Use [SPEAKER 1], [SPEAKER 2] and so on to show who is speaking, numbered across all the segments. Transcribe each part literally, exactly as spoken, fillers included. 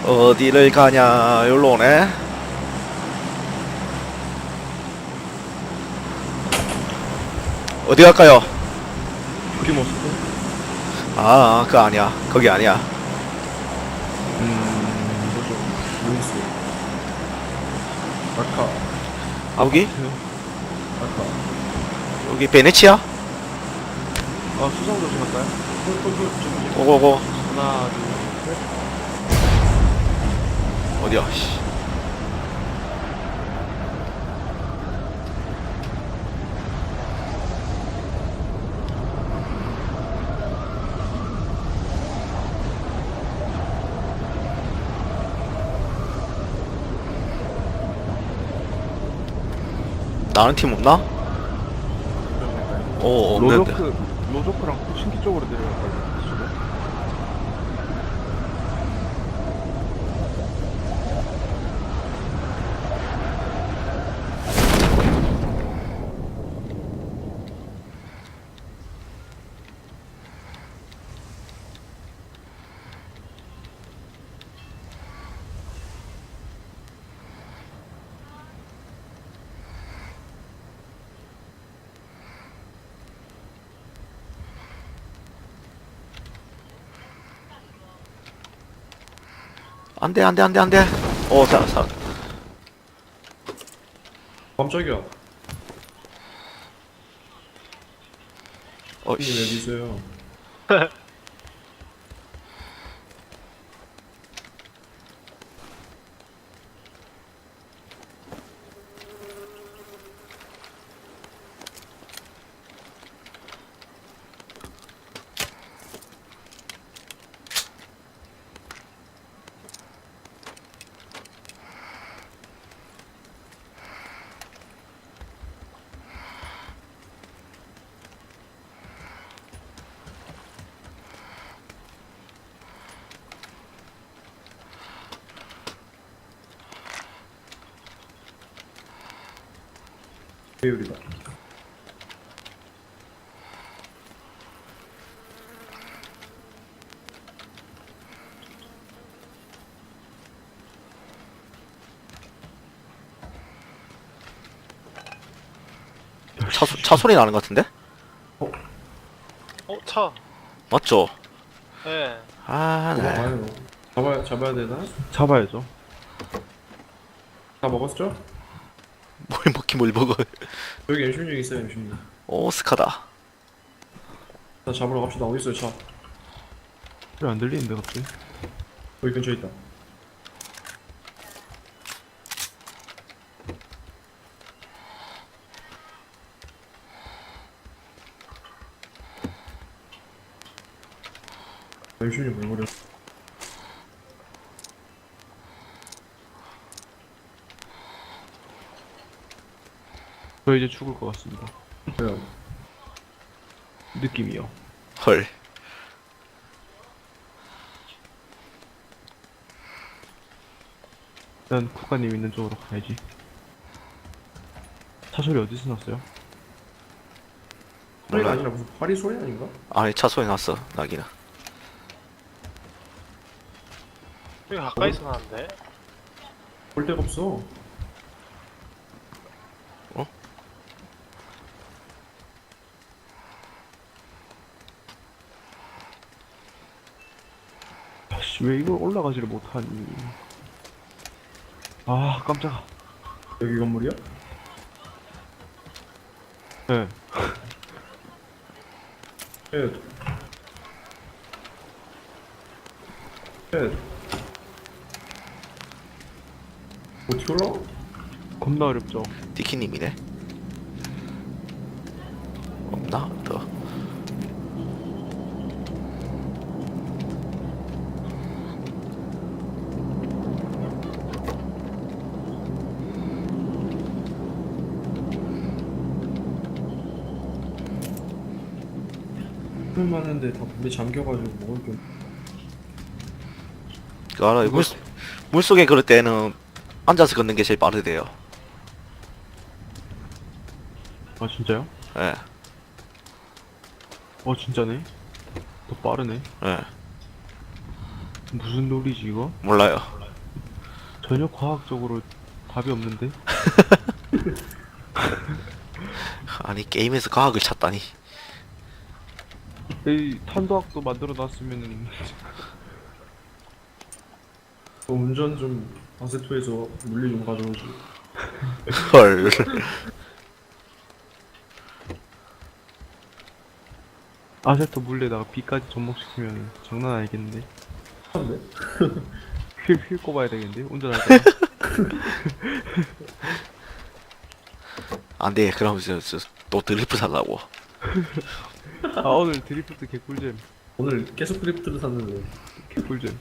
[SPEAKER 1] 어디를 가냐? 여기로 오네. 어디 갈까요?
[SPEAKER 2] 프리모스도?
[SPEAKER 1] 아, 그거 아니야. 거기 아니야.
[SPEAKER 2] 음... 뭐죠? 루이스 아카
[SPEAKER 1] 여기?
[SPEAKER 2] 아카
[SPEAKER 1] 여기 베네치아?
[SPEAKER 2] 아 수상 조심 할까요? 홀홀홀
[SPEAKER 1] 오고고.
[SPEAKER 2] 하나 둘셋
[SPEAKER 1] 어디야? 씨. 나는 팀 없나? 오, 없는데.
[SPEAKER 2] 로조크 로조크랑 신기 쪽으로 내려갈까요? 이쪽으로?
[SPEAKER 1] 안 돼, 안 돼, 안 돼, 안 돼. 오, 사, 사.
[SPEAKER 2] 깜짝이야
[SPEAKER 1] 어,
[SPEAKER 2] 형님 왜
[SPEAKER 1] 씨.
[SPEAKER 2] 미세요? 배율이다
[SPEAKER 1] 차, 소- 차 소리 나는 것 같은데?
[SPEAKER 3] 어, 차.
[SPEAKER 1] 맞죠?
[SPEAKER 3] 예.
[SPEAKER 1] 아, 네.
[SPEAKER 2] 먹어봐요 잡아야, 잡아야 되나? 잡아야죠 다 먹었죠?
[SPEAKER 1] 뭘 먹긴 뭘 먹어.
[SPEAKER 2] 여기 엠 십육 있어요 엠 십육
[SPEAKER 1] 오, 스카다.
[SPEAKER 2] 자 잡으러 갑시다 어딨어요 차
[SPEAKER 4] 소리 안 들리는데 갑자기?
[SPEAKER 2] 여기 근처에 있다 엠 십육 왜 그래
[SPEAKER 4] 저 이제 죽을 것 같습니다.
[SPEAKER 2] 왜요?
[SPEAKER 4] 느낌이요.
[SPEAKER 1] 헐.
[SPEAKER 4] 일단 국가님 있는 쪽으로 가야지. 차 소리 어디서 났어요?
[SPEAKER 2] 소리가
[SPEAKER 1] 몰라.
[SPEAKER 2] 아니라 무슨 파리 소리 아닌가?
[SPEAKER 1] 아니, 차 소리 났어, 나기는.
[SPEAKER 3] 여기 가까이서 나는데.
[SPEAKER 2] 볼 데가 없어
[SPEAKER 4] 아씨 왜 이걸 올라가지를 못하니? 아 깜짝아.
[SPEAKER 2] 여기 건물이야?
[SPEAKER 4] 네.
[SPEAKER 2] 예. 예. 어떻게 올라가?
[SPEAKER 4] 겁나 어렵죠.
[SPEAKER 1] 디키님이네. 없나? 더.
[SPEAKER 2] 물 많은데 다 물에 잠겨가지고 먹을 게
[SPEAKER 1] 그 알아. 물, 물 속에 그럴 때는 앉아서 걷는 게 제일 빠르대요.
[SPEAKER 4] 아 진짜요?
[SPEAKER 1] 예,
[SPEAKER 4] 어 진짜네. 더 빠르네.
[SPEAKER 1] 예.
[SPEAKER 4] 무슨 놀이지 이거?
[SPEAKER 1] 몰라요.
[SPEAKER 4] 전혀 과학적으로 답이 없는데?
[SPEAKER 1] 아니 게임에서 과학을 찾다니.
[SPEAKER 4] 이 탄도학도 만들어 놨으면은
[SPEAKER 2] 어, 운전 좀 아세토에서 물리 좀 가져오지.
[SPEAKER 1] 헐.
[SPEAKER 4] 아세토 물에다가 비까지 접목시키면 장난 아니겠는데?
[SPEAKER 2] 한데?
[SPEAKER 4] 휠, 휠 꼽아야 되겠는데? 운전할 때.
[SPEAKER 1] 안돼. 그럼 저, 저, 또 드리프 살라고.
[SPEAKER 4] 아 오늘 드리프트 개꿀잼.
[SPEAKER 2] 오늘 계속 크리프트를 샀는데.
[SPEAKER 4] 개꿀잼.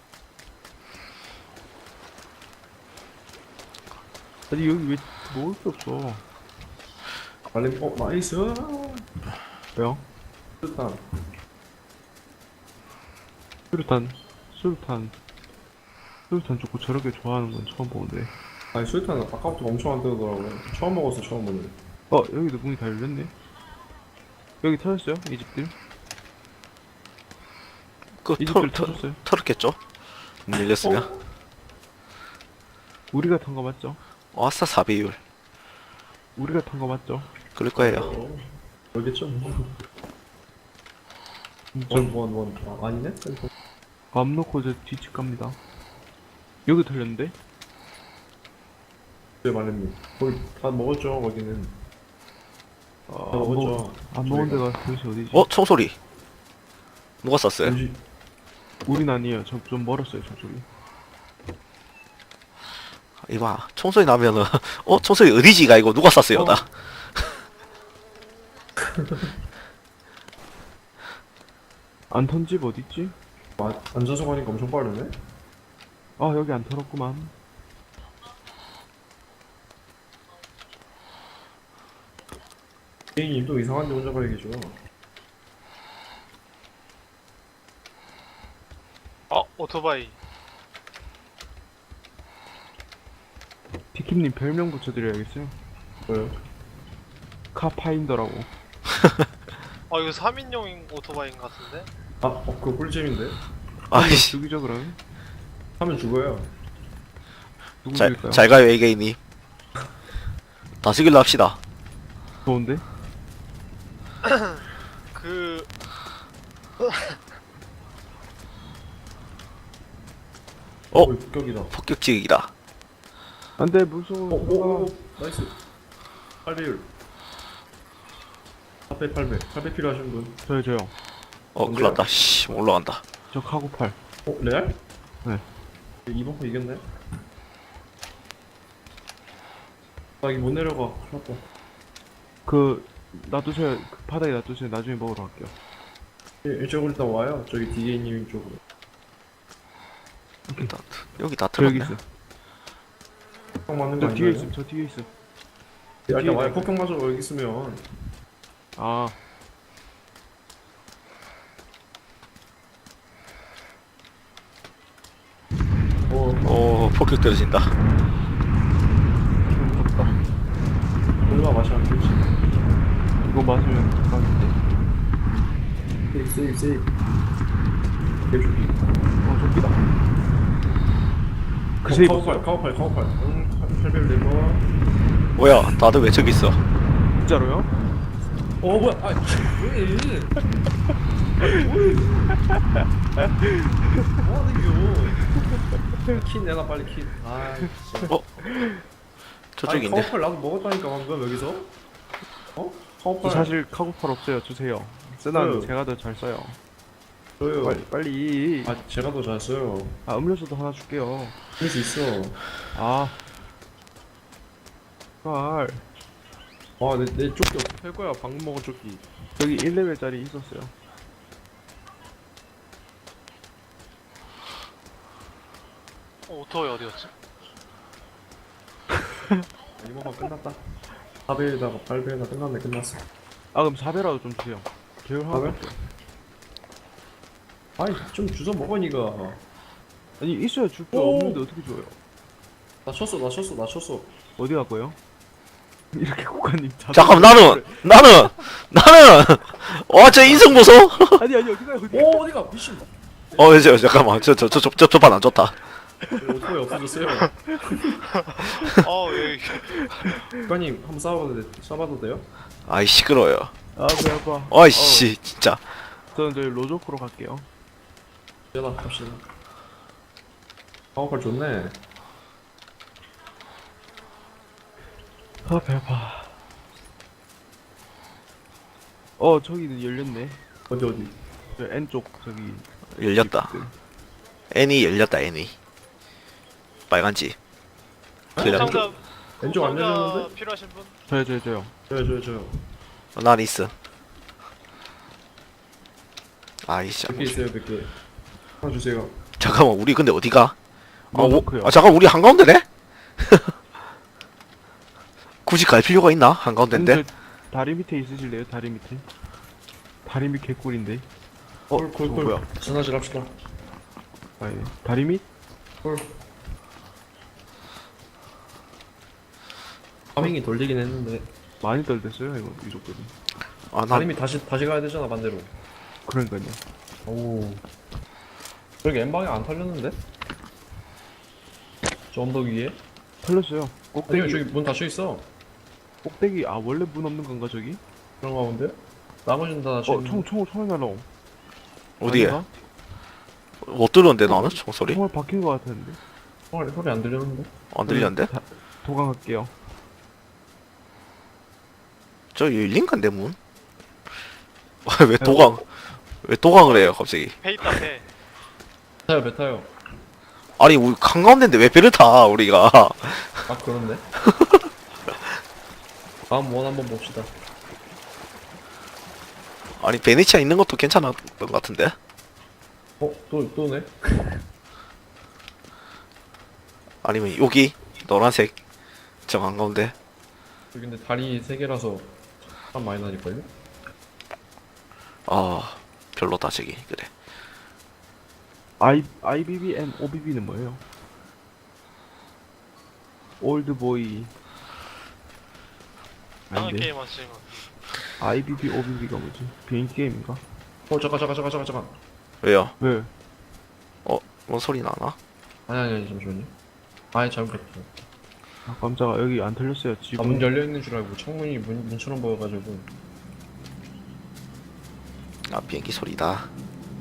[SPEAKER 4] 아니 여기 왜 먹을 게 없어?
[SPEAKER 2] 알림, 어, 나이스!
[SPEAKER 4] 왜요?
[SPEAKER 2] 일단,
[SPEAKER 4] 수류탄, 수류탄, 수류탄 좋고 저렇게 좋아하는 건 처음 보는데.
[SPEAKER 2] 아니, 수류탄은 아까부터 엄청 안 뜨더라고요. 처음 먹어서 처음 보네.
[SPEAKER 4] 어 여기도 문이 다 열렸네. 여기 터졌어요? 이 집들?
[SPEAKER 1] 그
[SPEAKER 4] 이
[SPEAKER 1] 털,
[SPEAKER 4] 집들
[SPEAKER 1] 털,
[SPEAKER 4] 터졌어요?
[SPEAKER 1] 털었겠죠? 문 열렸으면.
[SPEAKER 2] 어?
[SPEAKER 4] 우리가 탄 거 맞죠?
[SPEAKER 1] 아싸 사비율.
[SPEAKER 4] 우리가 탄 거 맞죠?
[SPEAKER 1] 그럴 거예요.
[SPEAKER 2] 어, 모르겠죠? 뭐.
[SPEAKER 4] 좀
[SPEAKER 2] 원, 원, 원. 아, 아니네?
[SPEAKER 4] 맘 놓고 저 뒤집 갑니다. 여기 털렸는데?
[SPEAKER 2] 네, 말입니다. 거기 다 먹었죠, 거기는.
[SPEAKER 4] 아,
[SPEAKER 2] 다
[SPEAKER 4] 안, 먹,
[SPEAKER 2] 먹었죠.
[SPEAKER 4] 안 먹은 데가 도대체 어디지?
[SPEAKER 1] 어 총소리. 누가 쐈어요?
[SPEAKER 2] 뭐지?
[SPEAKER 4] 우린 아니에요. 저 좀 멀었어요, 저쪽이.
[SPEAKER 1] 이봐 총소리 나면은 어 총소리 어디지가 이거 누가 쐈어요
[SPEAKER 2] 어.
[SPEAKER 1] 나.
[SPEAKER 4] 안 턴 집 어딨지?
[SPEAKER 2] 아, 앉아서 가니까 엄청 빠르네?
[SPEAKER 4] 아, 여기 안 털었구만.
[SPEAKER 2] 개인이 또 이상한 데 혼자 가 계셔.
[SPEAKER 3] 어 오토바이.
[SPEAKER 4] 티킴님 별명 붙여드려야겠어요.
[SPEAKER 2] 뭐요?
[SPEAKER 4] 카파인더라고.
[SPEAKER 3] 아 이거 삼 인용 오토바이인 것 같은데?
[SPEAKER 2] 아, 어, 그거 꿀잼인데?
[SPEAKER 1] 아이씨.
[SPEAKER 4] 죽이죠, 그럼.
[SPEAKER 2] 하면 죽어요.
[SPEAKER 4] 누구
[SPEAKER 1] 잘,
[SPEAKER 4] 죽일까요?
[SPEAKER 1] 잘 가요 에이게이님. 다시길로 합시다.
[SPEAKER 4] 좋은데?
[SPEAKER 3] 그
[SPEAKER 1] 어?
[SPEAKER 2] 어, 폭격이다.
[SPEAKER 1] 폭격지기다.
[SPEAKER 4] 안 돼,
[SPEAKER 2] 어,
[SPEAKER 4] 무서워.
[SPEAKER 2] 오, 오, 나이스. 팔 배율. 팔 배, 팔 배. 팔 배 필요하신 분.
[SPEAKER 4] 저요, 저요.
[SPEAKER 1] 어
[SPEAKER 2] 뭔데요?
[SPEAKER 1] 큰일났다. 씨 올라간다.
[SPEAKER 4] 저 카고팔.
[SPEAKER 2] 어, 레알?
[SPEAKER 4] 네.
[SPEAKER 2] 이번 거 이겼네? 나 여기 못 내려가. 큰일 났다.
[SPEAKER 4] 그, 놔두세요. 그 바닥에 놔두세요. 나중에 먹으러 갈게요.
[SPEAKER 2] 예, 이쪽으로 일단 와요. 저기 디게이님 쪽으로.
[SPEAKER 1] 일단 여기 다
[SPEAKER 4] 저 여기
[SPEAKER 1] 틀었네.
[SPEAKER 4] 있어.
[SPEAKER 2] 폭격 맞는 거
[SPEAKER 4] 저 뒤에
[SPEAKER 2] 아니에요?
[SPEAKER 4] 있어. 저 뒤에 있어.
[SPEAKER 2] 일단
[SPEAKER 4] 뒤에
[SPEAKER 2] 와요.
[SPEAKER 4] 있어.
[SPEAKER 2] 폭격 맞아 여기 있으면.
[SPEAKER 4] 아,
[SPEAKER 2] 어,
[SPEAKER 1] 오 폭격 떨어진다.
[SPEAKER 4] 무섭다.
[SPEAKER 2] 얼마 마셔 안 되지.
[SPEAKER 4] 이거 맞으면 대박인데.
[SPEAKER 2] 세이브, 세이브, 세이브. 개조기.
[SPEAKER 4] 어, 좀비다. 그
[SPEAKER 2] 어,
[SPEAKER 4] 세이브.
[SPEAKER 2] 카우팔, 카우팔, 카우팔. 응, 팔 배율 내고.
[SPEAKER 1] 뭐야 다들 왜 저기 있어?
[SPEAKER 4] 진짜로요?
[SPEAKER 2] 어, 뭐야? 아, 왜? 뭐 하는 겨? 킨 내놔 빨리 킨. 아, 진짜.
[SPEAKER 1] 어? 저쪽인데.
[SPEAKER 2] 카우팔 나도 먹었다니까 방금 여기서. 어? 카우팔.
[SPEAKER 4] 저 사실 카고팔 없어요. 주세요. 쓰나는
[SPEAKER 2] 줘요.
[SPEAKER 4] 제가 더 잘 써요.
[SPEAKER 2] 저요.
[SPEAKER 4] 빨리, 빨리.
[SPEAKER 2] 아, 제가 더 잘 써요.
[SPEAKER 4] 아, 음료수도 하나 줄게요.
[SPEAKER 2] 그럴 수 있어.
[SPEAKER 4] 아. 발.
[SPEAKER 2] 아, 내, 내 조끼 어떻게 할 거야? 방금 먹은 조끼.
[SPEAKER 4] 여기 일 레벨짜리 있었어요.
[SPEAKER 3] 어, 오토바이 어디였지?
[SPEAKER 2] 이모가 끝났다. 사 배에다가 팔 배에다 끝났네, 끝났어.
[SPEAKER 4] 아, 그럼 사 배라도 좀 주세요. 계열 하나.
[SPEAKER 2] 사 배? 아이, 좀 주워 먹어, 니가.
[SPEAKER 4] 아니, 있어야 줄 거
[SPEAKER 2] 오.
[SPEAKER 4] 없는데 어떻게 줘요?
[SPEAKER 2] 나 쳤어, 나 쳤어, 나 쳤어.
[SPEAKER 4] 어디 갈 거예요? 이렇게 국가님 자.
[SPEAKER 1] 잠깐 나는 나는 나는 와 저 인성 보소.
[SPEAKER 4] 아니 아니 어디 가요 어디?
[SPEAKER 2] 오, 어디가? 미친.
[SPEAKER 1] 어, 저, 잠깐만. 저, 저, 저, 저, 저, 저판 안 좋다.
[SPEAKER 2] 오토바이 없어졌어요.
[SPEAKER 3] 어 여기
[SPEAKER 2] 국가님 한번 싸워봐도 돼, 싸봐도 돼요?
[SPEAKER 1] 아이, 시끄러워요.
[SPEAKER 4] 아, 배 아파.
[SPEAKER 1] 어이씨, 진짜.
[SPEAKER 4] 어, 저는 저희 로조코로 갈게요.
[SPEAKER 2] 연락 갑시다. 방어팔 좋네.
[SPEAKER 4] 아, 배 아파. 어, 저기는 열렸네.
[SPEAKER 2] 어디 어디?
[SPEAKER 4] 저 N쪽, 저기.
[SPEAKER 1] 열렸다. 애니 열렸다, 애니. 빨간 집. 그래.
[SPEAKER 3] 상자
[SPEAKER 2] 왼쪽 안
[SPEAKER 3] 상자
[SPEAKER 2] 열렸는데?
[SPEAKER 3] 필요하신 분?
[SPEAKER 4] 저요, 저요, 저요.
[SPEAKER 2] 저요 저요 저요.
[SPEAKER 1] 난 있어. 아이씨.
[SPEAKER 2] 몇 개 있어요 몇 개. 하나 주세요.
[SPEAKER 1] 잠깐만, 우리 근데 어디가? 아, 오,
[SPEAKER 4] 로조코요.
[SPEAKER 1] 아, 잠깐, 우리 한가운데네? 굳이 갈 필요가 있나? 한가운데인데?
[SPEAKER 4] 아니, 저 다리 밑에 있으실래요? 다리 밑에. 다리 밑 개꿀인데. 어, 저거
[SPEAKER 2] 콜콜콜.
[SPEAKER 4] 뭐야?
[SPEAKER 2] 전화질 합시다.
[SPEAKER 4] 아, 예. 다리 밑?
[SPEAKER 2] 콜. 파밍이 돌리긴 했는데
[SPEAKER 4] 많이 떨댔어요, 이거, 이 정도는.
[SPEAKER 1] 아, 난,
[SPEAKER 2] 다림이 다시 다시 가야 되잖아 반대로.
[SPEAKER 4] 그러니까요.
[SPEAKER 2] 오. 저기 엠방에 안 털렸는데? 저 언덕 위에?
[SPEAKER 4] 털렸어요. 꼭대기,
[SPEAKER 2] 아니요 저기 문 닫혀 있어.
[SPEAKER 4] 꼭대기, 아, 원래 문 없는 건가, 저기?
[SPEAKER 2] 그런가 본데? 나머지는 다
[SPEAKER 4] 어,
[SPEAKER 2] 지금
[SPEAKER 4] 총, 총, 총알 날라옴.
[SPEAKER 1] 어디에?
[SPEAKER 4] 아닌가?
[SPEAKER 1] 못 들었는데, 나는? 총소리?
[SPEAKER 4] 총알 박힌 거 같았는데.
[SPEAKER 2] 소리, 소리 안 들렸는데?
[SPEAKER 1] 안 들렸는데?
[SPEAKER 4] 다, 도망갈게요.
[SPEAKER 1] 저 열린 건데, 문? 왜 도강, 왜 도강을 해요, 갑자기?
[SPEAKER 3] 배 있다 배.
[SPEAKER 2] 타요 배 타요.
[SPEAKER 1] 아니, 우리 한가운데인데 왜 배를 타, 우리가?
[SPEAKER 2] 아 그렇네. 다음 원 한번 봅시다.
[SPEAKER 1] 아니, 베네치아 있는 것도 괜찮았던 것 같은데?
[SPEAKER 2] 어? 또 또네?
[SPEAKER 1] 아니면 여기? 노란색. 저 한가운데.
[SPEAKER 2] 여기 근데 다리 세 개라서 참 많이 나닐걸요?
[SPEAKER 1] 아, 별로다, 저기. 그래.
[SPEAKER 4] I, 아이비비 and 오비비는 뭐예요? 올드보이.
[SPEAKER 3] 다른
[SPEAKER 4] 아닌데.
[SPEAKER 3] 게임 하시는 거.
[SPEAKER 4] 아이비비, 오비비가 뭐지? 비행기 게임인가?
[SPEAKER 2] 어 잠깐 잠깐 잠깐 잠깐 잠깐.
[SPEAKER 1] 왜요?
[SPEAKER 4] 왜?
[SPEAKER 1] 뭔 소리 나나?
[SPEAKER 2] 아니 아니 아니 잠시만요. 아니 잘못했어.
[SPEAKER 4] 아, 깜짝아. 여기 안 털렸어요.
[SPEAKER 2] 아,
[SPEAKER 4] 지금.
[SPEAKER 2] 문 열려 있는 줄 알고 창문이 문, 문처럼 보여가지고.
[SPEAKER 1] 아, 비행기 소리다.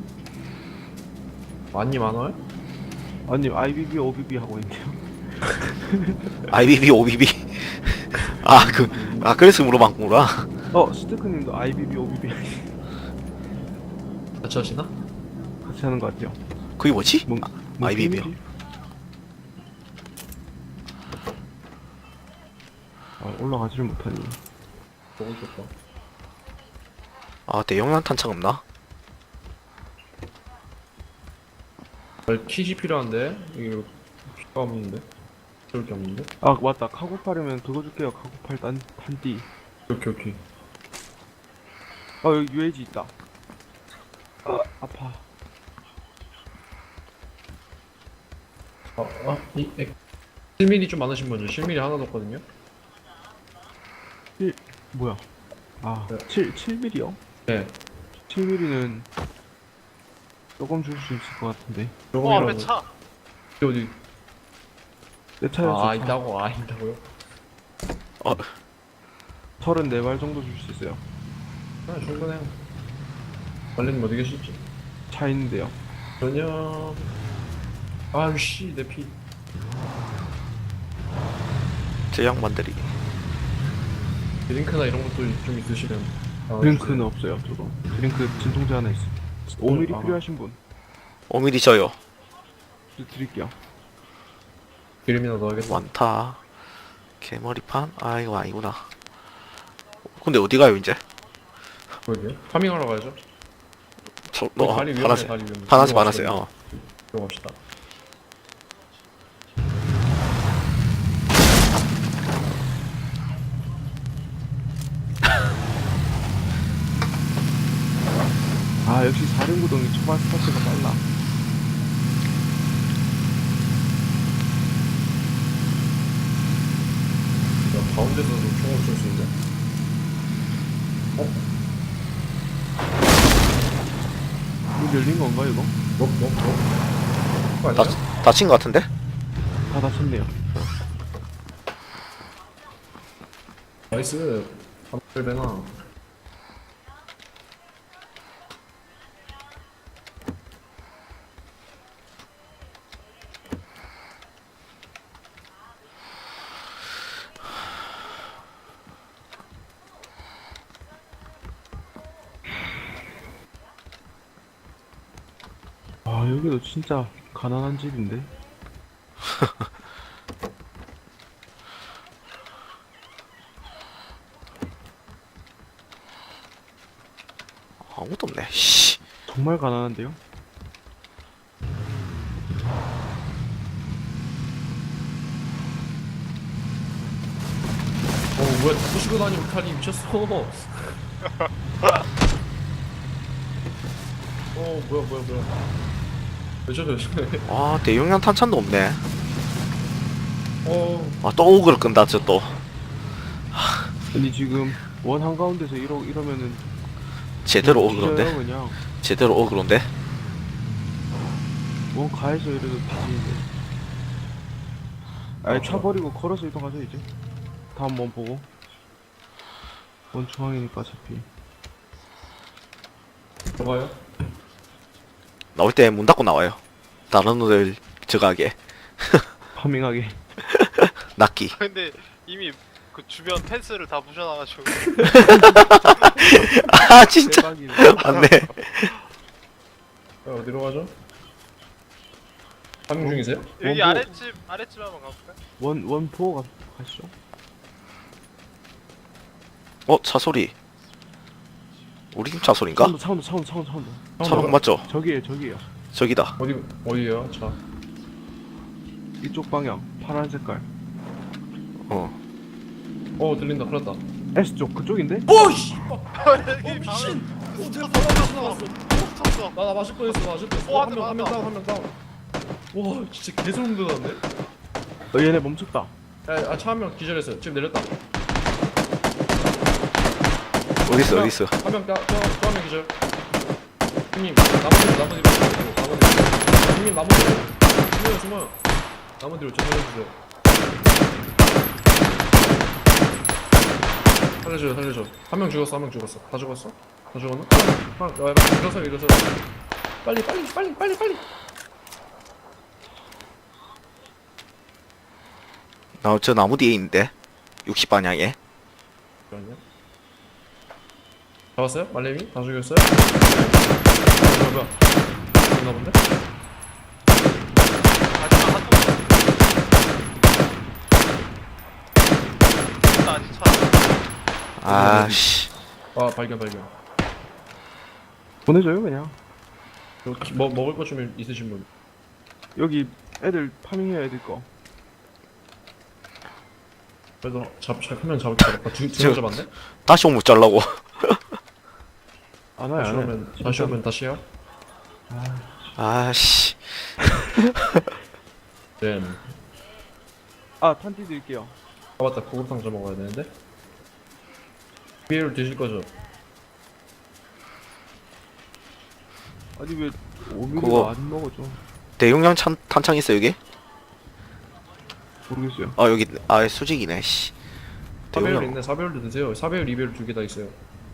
[SPEAKER 2] 많이 많아요?
[SPEAKER 4] 아니, 아이비비, 오비비 하고 있네요.
[SPEAKER 1] 아이비비, 오비비. 아, 그, 아, 그래서 물어봤구나.
[SPEAKER 4] 어, 스테크님도 아이비비, 오비비
[SPEAKER 2] 같이 하시나?
[SPEAKER 4] 같이 하는 것 같아요.
[SPEAKER 1] 그게 뭐지?
[SPEAKER 4] 뭐,
[SPEAKER 1] 아,
[SPEAKER 4] 뭐
[SPEAKER 1] 아이비비요.
[SPEAKER 4] 게임이지? 아, 올라가지를 못하니.
[SPEAKER 2] 너무 좋다.
[SPEAKER 1] 아, 대용량 탄창 없나?
[SPEAKER 2] 아, 킷이 필요한데? 이거 필요가 없는데? 좋을 게 없는데?
[SPEAKER 4] 아, 맞다. 카고팔이면 그거 줄게요. 카고팔 단, 단띠.
[SPEAKER 2] 오케이 오케이.
[SPEAKER 4] 아, 여기 유에이지 있다. 아, 아파.
[SPEAKER 2] 아, 아, 이, 에, 실밀이 좀 많으신 분들 실밀이 하나 넣었거든요?
[SPEAKER 4] 뭐야? 아,
[SPEAKER 2] 네.
[SPEAKER 4] 칠, 칠 밀리요?
[SPEAKER 2] 네.
[SPEAKER 4] 칠 밀리는 조금 줄 수 있을 것 같은데.
[SPEAKER 3] 어
[SPEAKER 2] 조금이라도.
[SPEAKER 3] 앞에 차.
[SPEAKER 2] 어디?
[SPEAKER 4] 내 차였어.
[SPEAKER 2] 아, 있다고? 아, 있다고요?
[SPEAKER 4] 서른네 발 정도 줄 수 있어요.
[SPEAKER 2] 아, 충분해요. 관리님 어디 계시지?
[SPEAKER 4] 차 있는데요.
[SPEAKER 2] 전혀. 아유, 씨, 내 피.
[SPEAKER 1] 저 양반들이.
[SPEAKER 2] 드링크나 이런 것도 좀 있으시면. 아,
[SPEAKER 4] 드링크는 없어요, 저거. 드링크 진통제 하나 있어. 오 밀리
[SPEAKER 2] 아.
[SPEAKER 4] 필요하신 분.
[SPEAKER 1] 오 밀리 저요.
[SPEAKER 4] 드- 드릴게요.
[SPEAKER 2] 기름이나 넣어야겠다.
[SPEAKER 1] 많다. 개머리판? 아, 이거 아니구나. 근데 어디 가요, 이제?
[SPEAKER 2] 그러게요. 파밍하러 가야죠.
[SPEAKER 1] 저,
[SPEAKER 2] 어,
[SPEAKER 1] 어,
[SPEAKER 2] 다리 위험해,
[SPEAKER 1] 파란색.
[SPEAKER 2] 다리 위험해.
[SPEAKER 1] 파란색,
[SPEAKER 2] 이거
[SPEAKER 1] 파란색,
[SPEAKER 2] 갑시다.
[SPEAKER 1] 어.
[SPEAKER 2] 들어갑시다.
[SPEAKER 4] 아, 역시 사륜구동이 초반 스타트가 빨라.
[SPEAKER 2] 야, 가운데서도 총을 쏠 수 있네. 어?
[SPEAKER 4] 문 열린 건가 이거?
[SPEAKER 2] 넉넉넉 그거
[SPEAKER 1] 다,
[SPEAKER 2] 아니야?
[SPEAKER 1] 다친 것 같은데?
[SPEAKER 4] 다 닫혔네요.
[SPEAKER 2] 나이스 삼백배나
[SPEAKER 4] 아 여기도 진짜 가난한 집인데.
[SPEAKER 1] 아무것도 없네. 씨.
[SPEAKER 4] 정말 가난한데요?
[SPEAKER 2] 어 뭐야 다 부시고 다니고 칼이 미쳤어 어 뭐야 뭐야 뭐야 왜 저래 왜 저래
[SPEAKER 1] 아, 대용량 탄창도 없네.
[SPEAKER 2] 어
[SPEAKER 1] 아, 또 오그를 끈다, 저 또.
[SPEAKER 4] 아니 지금 원 한가운데서 이러, 이러면은
[SPEAKER 1] 제대로
[SPEAKER 4] 그냥
[SPEAKER 1] 오그런데?
[SPEAKER 4] 뒤져요, 그냥
[SPEAKER 1] 제대로 오그런데?
[SPEAKER 4] 원 가에서 이래도 뒤지는데. 아예 차 버리고 걸어서 이동하자 이제. 다음 원 보고. 원 중앙이니까 어차피.
[SPEAKER 2] 뭐가요?
[SPEAKER 1] 나올 때 문 닫고 나와요. 다른 애들 저가게.
[SPEAKER 4] 파밍하게.
[SPEAKER 1] 낚기.
[SPEAKER 3] 근데 이미 그 주변 펜스를 다 부셔놔가지고
[SPEAKER 1] 아, 진짜.
[SPEAKER 4] 대박이네.
[SPEAKER 1] 맞네.
[SPEAKER 2] 어, 어디로 가죠? 파밍 중이세요?
[SPEAKER 3] 여기
[SPEAKER 4] 원보-
[SPEAKER 3] 아랫집 아랫집 한번 가볼까요?
[SPEAKER 4] 원, 원 보고 가, 가시죠.
[SPEAKER 1] 어, 차 소리. 우리 팀 차 소린가?
[SPEAKER 4] 사운드, 사운드, 사운드, 사운드, 사운드.
[SPEAKER 1] 차방 맞죠?
[SPEAKER 4] 저기에요, 저기에요.
[SPEAKER 1] 저기다.
[SPEAKER 2] 어디 어디에요? 차.
[SPEAKER 4] 이쪽 방향. 파란 색깔.
[SPEAKER 1] 어.
[SPEAKER 2] 어 들린다. 큰일났다.
[SPEAKER 4] S쪽, 그쪽인데?
[SPEAKER 2] 오씨!
[SPEAKER 3] 여기
[SPEAKER 2] 미친!
[SPEAKER 3] 바로
[SPEAKER 2] 나왔어.
[SPEAKER 3] 쳤어.
[SPEAKER 2] 나나 맞을 뻔했어. 맞을 뻔했어.
[SPEAKER 3] 오,
[SPEAKER 2] 한명 한 명
[SPEAKER 3] 맞다.
[SPEAKER 2] 다운 한 명 다운. 와 진짜 개소름 돋았네.
[SPEAKER 4] 어, 얘네 멈췄다.
[SPEAKER 2] 아차 한 명 기절했어요. 지금 내렸다.
[SPEAKER 1] 어딨어, 어딨어.
[SPEAKER 2] 한명 저저한명 기절. 형님 나무 뒤로 나무 뒤로 나무 뒤로. 형님 나무 뒤로. 숨어요 숨어요. 나무 뒤로 저 살려주세요. 살려줘요 살려줘. 한 명 죽었어 한 명 죽었어. 다 죽었어? 다 죽었나? 하나 하나 일어서 일어서. 빨리 빨리 빨리 빨리 빨리.
[SPEAKER 1] 나, 저 나무 뒤에 있는데. 육십 방향에.
[SPEAKER 2] 잠깐만요. 잡았어요? 말레미? 다 죽였어요? 뭐야 뭐야 죽나 본데?
[SPEAKER 3] 마지막 한 번. 나 아직 차.
[SPEAKER 1] 아, 씨.
[SPEAKER 2] 아 발견 발견.
[SPEAKER 4] 보내줘요, 그냥.
[SPEAKER 2] 여기 뭐 먹을 것 좀 있으신 분?
[SPEAKER 4] 여기 애들 파밍해야 애들 거.
[SPEAKER 2] 그래도 잡 잡으면 잡을 거 같아. 두두명 잡았네?
[SPEAKER 1] 다시 오면 잘라고.
[SPEAKER 4] 안 와요,
[SPEAKER 2] 다시
[SPEAKER 4] 안 와요.
[SPEAKER 2] 오면 다시 오면 다시요?
[SPEAKER 1] 아, 씨.
[SPEAKER 2] 네.
[SPEAKER 4] 아, 탄티 드릴게요.
[SPEAKER 2] 아 맞다 고급 상자 먹어야 되는데. 비엘을 드실 거죠?
[SPEAKER 4] 아니, 왜 오미를
[SPEAKER 1] 그거-
[SPEAKER 4] 안 먹어줘?
[SPEAKER 1] 대용량 찬, 탄창 있어, 여기?
[SPEAKER 4] 모르겠어요.
[SPEAKER 1] 아, 여기, 아, 수직이네, 씨.
[SPEAKER 2] 사배율
[SPEAKER 1] 대용량.
[SPEAKER 2] 있네. 사배율도 드세요. 사배율, 이배율 두 개 다 있어요.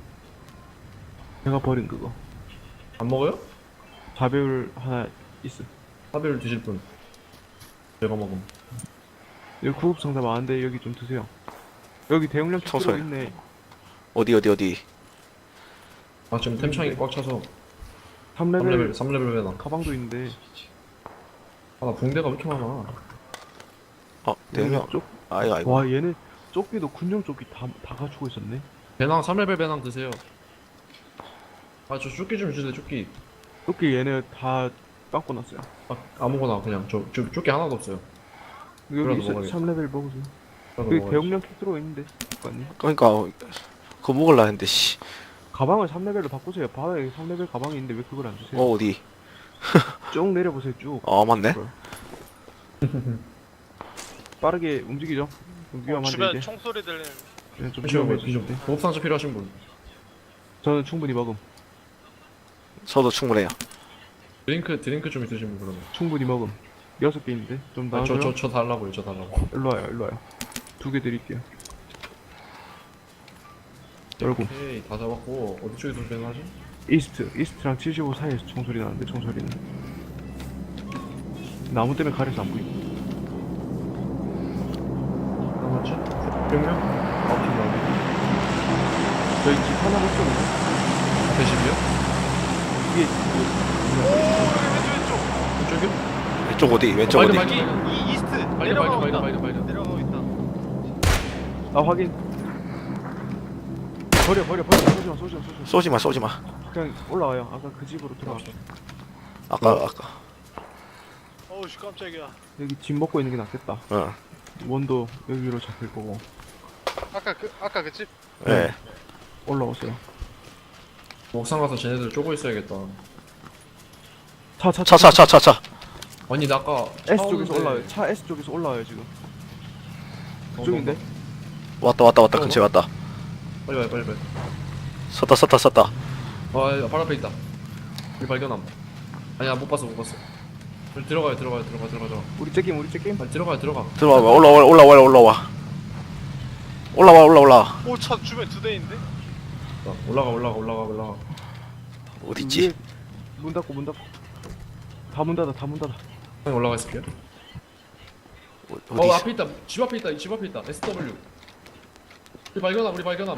[SPEAKER 4] 내가 버린 그거.
[SPEAKER 2] 안 먹어요?
[SPEAKER 4] 자배율 하나 있어.
[SPEAKER 2] 사배율 드실 분. 제가 먹음.
[SPEAKER 4] 여기 구급 상자 많은데 여기 좀 드세요. 여기 대용량
[SPEAKER 1] 청소해.
[SPEAKER 4] 킥으로 있네.
[SPEAKER 1] 어디, 어디, 어디.
[SPEAKER 2] 아 지금 템창이 꽉 차서
[SPEAKER 4] 삼
[SPEAKER 2] 삼
[SPEAKER 4] 레벨
[SPEAKER 2] 레벨 삼 레벨 배나.
[SPEAKER 4] 가방도 있는데.
[SPEAKER 2] 아 나 붕대가 왜 이렇게 많아?
[SPEAKER 1] 어, 대용량.
[SPEAKER 4] 쪽?
[SPEAKER 1] 아이고, 아이고.
[SPEAKER 4] 와, 얘네 조끼도 군용 조끼 다, 다 갖추고 있었네.
[SPEAKER 2] 배낭 삼 레벨 배낭 드세요. 아 저 조끼 좀 주세요. 조끼.
[SPEAKER 4] 조끼 얘네 다 빵꾸 났어요.
[SPEAKER 2] 아 아무거나 그냥 저, 저 조끼 하나도 없어요.
[SPEAKER 4] 여기
[SPEAKER 2] 그래도
[SPEAKER 4] 있어,
[SPEAKER 2] 먹어야겠다.
[SPEAKER 4] 삼 레벨 먹으세요.
[SPEAKER 2] 그래도
[SPEAKER 4] 여기
[SPEAKER 2] 먹어야지.
[SPEAKER 4] 대용량 킥 들어있는데. 아니.
[SPEAKER 1] 그러니까, 그거 먹을라 했는데, 씨.
[SPEAKER 4] 가방을 삼 레벨로 바꾸세요. 바닥에 삼 레벨 가방이 있는데 왜 그걸 안 주세요?
[SPEAKER 1] 어, 어디?
[SPEAKER 4] 쭉 내려보세요, 쭉.
[SPEAKER 1] 어, 맞네.
[SPEAKER 4] 빠르게 움직이죠. 좀
[SPEAKER 3] 어,
[SPEAKER 4] 위험한데
[SPEAKER 3] 주변
[SPEAKER 4] 이제.
[SPEAKER 3] 총소리 들리는.
[SPEAKER 4] 네, 좀
[SPEAKER 2] 잠시만요.
[SPEAKER 4] 위험해지는데.
[SPEAKER 2] 고급 상자 필요하신 분.
[SPEAKER 4] 저는 충분히 먹음.
[SPEAKER 1] 저도 충분해요.
[SPEAKER 2] 드링크 드링크 좀 있으시면 그러면.
[SPEAKER 4] 충분히 먹음. 여섯 개 있는데 좀 나와줘요.
[SPEAKER 2] 저저 저 달라고요. 저 달라고.
[SPEAKER 4] 일로 와요, 일로 와요. 두 개 드릴게요. 열고.
[SPEAKER 2] 오케이 다 잡았고 어디 쪽에서 변하지?
[SPEAKER 4] 이스트, 이스트랑 칠십오 사이에서 총소리 나는데 총소리는 나무 때문에 가려서 안 보이고.
[SPEAKER 2] 남았지? 몇 명? 아홉 팀 남았네.
[SPEAKER 4] 저희 집 하나 밖에 없네.
[SPEAKER 2] 앞에 집이요?
[SPEAKER 4] 위에
[SPEAKER 3] 오 왼쪽 왼쪽.
[SPEAKER 2] 이쪽이요?
[SPEAKER 1] 왼쪽 어디? 왼쪽
[SPEAKER 2] 발견,
[SPEAKER 1] 어디?
[SPEAKER 2] 발견.
[SPEAKER 3] 이, 이 이스트
[SPEAKER 2] 발견
[SPEAKER 3] 내려가고
[SPEAKER 2] 발견
[SPEAKER 3] 있다.
[SPEAKER 2] 발견 발견 발견.
[SPEAKER 3] 내려가고 있다.
[SPEAKER 4] 아 확인. 버려 버려 버려. 쏘지마 쏘지마 쏘지마.
[SPEAKER 1] 쏘지마 쏘지마.
[SPEAKER 4] 그냥 올라와요. 아까 그 집으로 들어갑시다.
[SPEAKER 1] 아까 아까.
[SPEAKER 3] 어우 씨 깜짝이야.
[SPEAKER 4] 여기 집 먹고 있는 게 낫겠다.
[SPEAKER 1] 어.
[SPEAKER 4] 원도 여기로 잡힐 거고.
[SPEAKER 3] 아까 그 아까 그 집.
[SPEAKER 1] 예.
[SPEAKER 4] 올라오세요.
[SPEAKER 2] 옥상 가서 쟤네들 쪼고 있어야겠다.
[SPEAKER 4] 차 차
[SPEAKER 1] 차 차 차 차 차.
[SPEAKER 2] 아니 나 아까 차
[SPEAKER 4] S 쪽에서
[SPEAKER 2] 오는데-
[SPEAKER 4] 올라와요. 차 S 쪽에서 올라와요 지금.
[SPEAKER 2] 어,
[SPEAKER 4] 그쪽인데?
[SPEAKER 1] 왔다 왔다 왔다 근처에 왔다.
[SPEAKER 2] 빨리 빨리 빨리 빨리.
[SPEAKER 1] 섰다 섰다 섰다.
[SPEAKER 2] 아, 발 앞에 있다. 우리 발견함. 아니야, 못 봤어, 못 봤어. 빨리 들어가요, 들어가요, 들어가, 들어가, 들어가.
[SPEAKER 4] 우리 째김 우리 째김.
[SPEAKER 2] 빨리 들어가요, 들어가.
[SPEAKER 1] 들어와 올라와 올라와 올라와. 올라와 올라와 올라와.
[SPEAKER 3] 오차 주변 두 대인데.
[SPEAKER 2] 자, 올라가, 올라가, 올라가, 올라가.
[SPEAKER 1] 어디 있지?
[SPEAKER 4] 위에 문 닫고 문 닫고. 다 문 닫아 다 문 닫아.
[SPEAKER 2] 형이 올라가 있을게요.
[SPEAKER 1] 어,
[SPEAKER 2] 어,
[SPEAKER 1] 어디 있어?
[SPEAKER 2] 앞에 있다. 집 앞에 있다. 집 앞에 있다. 에스 더블유. 우리 발견함, 우리 발견함.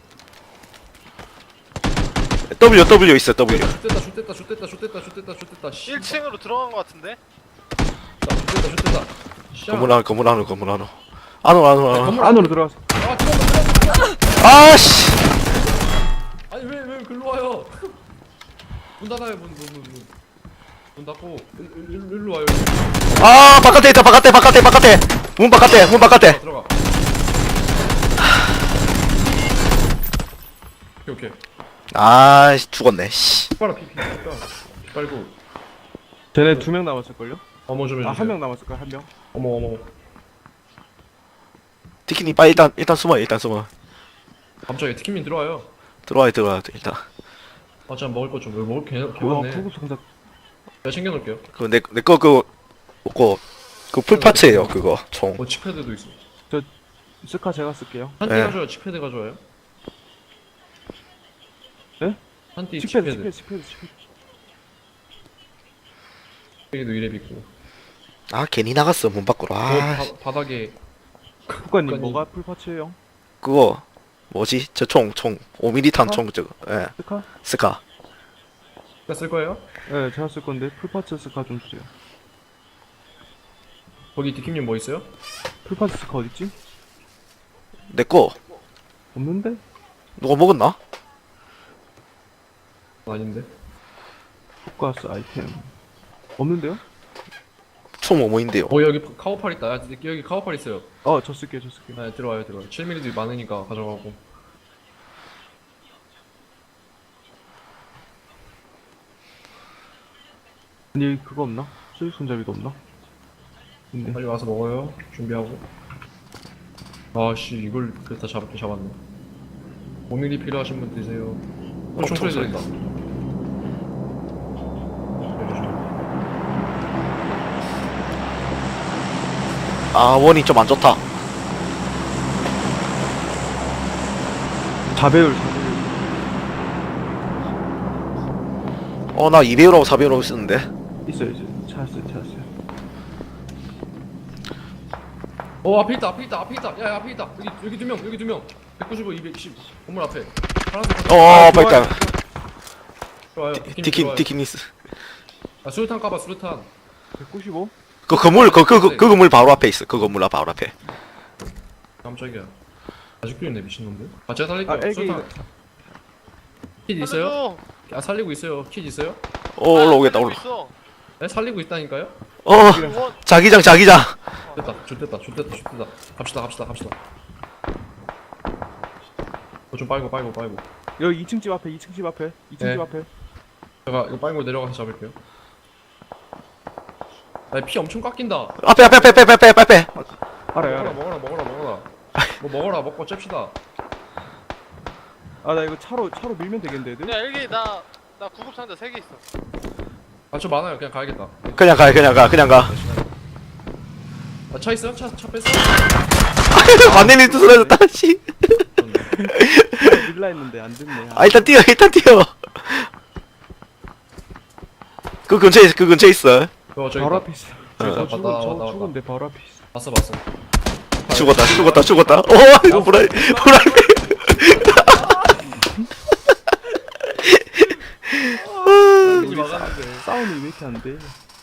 [SPEAKER 1] W W 있어 W.
[SPEAKER 2] 슛됐다, 슛됐다, 슛됐다, 슛됐다, 슛됐다, 슛됐다. 씨.
[SPEAKER 3] 일 층으로 들어간 것 같은데.
[SPEAKER 2] 슛됐다, 슛됐다. 씨.
[SPEAKER 1] 건물 안으로 건물 안으로 건물 안으로. 안으로 안으로 안으로.
[SPEAKER 2] 건물
[SPEAKER 4] 안으로 들어가서.
[SPEAKER 2] 아, 들어가, 들어가, 들어가.
[SPEAKER 1] 아씨.
[SPEAKER 2] 아니 왜 왜 글로 와요? 문 닫아요, 문, 문, 문, 문. 문 닫고 일, 일, 일, 일로 와요. 일로.
[SPEAKER 1] 아 바깥에 있다 바깥에 바깥에 바깥에. 문 바깥에 문 바깥에.
[SPEAKER 2] 들어가. 오케이 오케이.
[SPEAKER 1] 아 죽었네. 씨.
[SPEAKER 2] 빨아 피 피. 피 빨고.
[SPEAKER 4] 쟤네 두 명 남았을 걸요?
[SPEAKER 2] 어머 좀 해주세요.
[SPEAKER 4] 아 한 명 남았을 거야 한 명.
[SPEAKER 2] 어머 어머.
[SPEAKER 1] 티키니 빨리 일단 일단 숨어 일단 숨어.
[SPEAKER 2] 갑자기 티켓민 들어와요.
[SPEAKER 1] 들어와야 들어와야 돼 일단.
[SPEAKER 2] 아, 참 먹을 거 좀. 왜 먹을 게
[SPEAKER 4] 와
[SPEAKER 2] 개왔네.
[SPEAKER 4] 구급 상자.
[SPEAKER 2] 내가 챙겨놓을게요.
[SPEAKER 1] 그내내거 그거 먹고 그 풀파츠예요 그거 총.
[SPEAKER 2] 어, 칙패드도 있어.
[SPEAKER 4] 스카 제가 쓸게요.
[SPEAKER 2] 한띠
[SPEAKER 1] 네.
[SPEAKER 2] 가져요. 칙패드 가져와요.
[SPEAKER 4] 네?
[SPEAKER 2] 한띠
[SPEAKER 4] 칙패드
[SPEAKER 2] 칙패드.
[SPEAKER 4] 칙패드 칙패드 칙패드.
[SPEAKER 2] 여기도 이랩 있고.
[SPEAKER 1] 아 괜히 나갔어 문 밖으로. 아
[SPEAKER 2] 저 바, 바닥에
[SPEAKER 4] 국가님
[SPEAKER 2] 국가님.
[SPEAKER 4] 뭐가 풀파츠예요?
[SPEAKER 1] 그거 뭐지 저 총 총 오 밀리미터
[SPEAKER 4] 스카?
[SPEAKER 1] 총 저거. 예
[SPEAKER 4] 스카?
[SPEAKER 1] 스카.
[SPEAKER 2] 쓸 거예요?
[SPEAKER 4] 네 제가 쓸 건데 풀파츠 스카 좀 주세요.
[SPEAKER 2] 거기 디킴님 뭐 있어요?
[SPEAKER 4] 풀파츠 스카 어딨지?
[SPEAKER 1] 내거
[SPEAKER 4] 없는데?
[SPEAKER 1] 누가 먹었나?
[SPEAKER 2] 아닌데.
[SPEAKER 4] 국가스 아이템 없는데요?
[SPEAKER 1] 총 뭐뭐인데요.
[SPEAKER 2] 어, 여기 카우팔 있다. 야, 여기 카우팔 있어요.
[SPEAKER 4] 어 저 쓸게요 저 쓸게요.
[SPEAKER 2] 네, 들어와요, 들어와요. 칠 밀리미터도 많으니까 가져가고.
[SPEAKER 4] 아니 그거 없나? 수직 손잡이도 없나? 근데
[SPEAKER 2] 빨리 와서 먹어요. 준비하고. 아씨, 이걸 그다 잡게 잡았네. 오 밀리미터 필요하신 분 드세요. 어,
[SPEAKER 1] 어,
[SPEAKER 2] 총소리
[SPEAKER 1] 총소리.
[SPEAKER 2] 들린다.
[SPEAKER 1] 아 원이 좀 안 좋다.
[SPEAKER 4] 자배율 자배율.
[SPEAKER 1] 어 나 이 배율하고 사 배율하고 쓰는데.
[SPEAKER 4] 있어요 있어요. 찾았어요 찾았어요.
[SPEAKER 2] 어, 앞에 있다, 앞에 있다, 앞에 있다. 야, 야, 앞에 있다. 여기 여기 두 명, 여기 두 명. 백구십오, 이백십. 건물 앞에. 파란색 건물.
[SPEAKER 1] 어
[SPEAKER 4] 아,
[SPEAKER 1] 빨리
[SPEAKER 2] 좋아요.
[SPEAKER 1] 티킨 티키니스.
[SPEAKER 2] 아, 수류탄 까봐, 수류탄.
[SPEAKER 4] 백구십오?
[SPEAKER 1] 그 건물 그 그 그 건물 바로 앞에 있어. 그 건물 바로 앞에.
[SPEAKER 2] 깜짝이야. 아직도 있네, 미친놈들. 아, 제가 살릴게요.
[SPEAKER 4] 아 애기
[SPEAKER 2] 수류탄. 킷 있어요?
[SPEAKER 3] 살려줘.
[SPEAKER 2] 아, 살리고 있어요. 킷 있어요?
[SPEAKER 1] 어 올라오겠다
[SPEAKER 3] 살리고
[SPEAKER 1] 올라.
[SPEAKER 3] 있어.
[SPEAKER 2] 네, 살리고 있다니까요?
[SPEAKER 1] 어
[SPEAKER 3] 원.
[SPEAKER 1] 자기장 자기장.
[SPEAKER 2] 됐다, 좋됐다, 좋됐다, 좋됐다. 갑시다, 갑시다, 갑시다. 어, 좀 빨고, 빨고, 빨고.
[SPEAKER 4] 여기 이 층 집 앞에 이 층 집 앞에 이 층
[SPEAKER 2] 네.
[SPEAKER 4] 집 앞에.
[SPEAKER 2] 제가 이거 빨고 내려가서 잡을게요. 나 피 엄청 깎인다.
[SPEAKER 1] 앞에 앞에 앞에 앞에 앞에 앞에 앞에.
[SPEAKER 4] 알아요
[SPEAKER 2] 먹어라,
[SPEAKER 4] 알아요.
[SPEAKER 2] 먹어라, 먹어라, 먹어라. 뭐 먹어라, 먹고 잽시다.
[SPEAKER 4] 아 나 이거 차로 차로 밀면 되겠는데 애들?
[SPEAKER 3] 야 여기 나 나 구급 상자 세 개 있어.
[SPEAKER 2] 아저 많아요. 그냥 가야겠다.
[SPEAKER 1] 그냥 가 그냥 가 그냥 가.
[SPEAKER 2] 아, 차 있어요? 차, 차 뺐어?
[SPEAKER 1] 반대님 또 쓰러졌다 씨.
[SPEAKER 4] 밀라 했는데 안 됐네.
[SPEAKER 1] 아 일단 뛰어 일단 뛰어. 그 근처에 그 근처에 있어.
[SPEAKER 2] 어 저기
[SPEAKER 4] 바로
[SPEAKER 2] 있다.
[SPEAKER 4] 앞에 있어.
[SPEAKER 2] 저기
[SPEAKER 4] 저
[SPEAKER 2] 있다.
[SPEAKER 4] 죽은,
[SPEAKER 2] 왔다,
[SPEAKER 4] 저
[SPEAKER 2] 왔다,
[SPEAKER 4] 죽은데
[SPEAKER 2] 왔다.
[SPEAKER 4] 바로 앞에 있어.
[SPEAKER 2] 봤어 봤어.
[SPEAKER 1] 죽었다 죽었다 죽었다. 어 이거 보라 보라.
[SPEAKER 2] 여기 막았는데.
[SPEAKER 4] 싸움이 왜 이렇게 안 돼?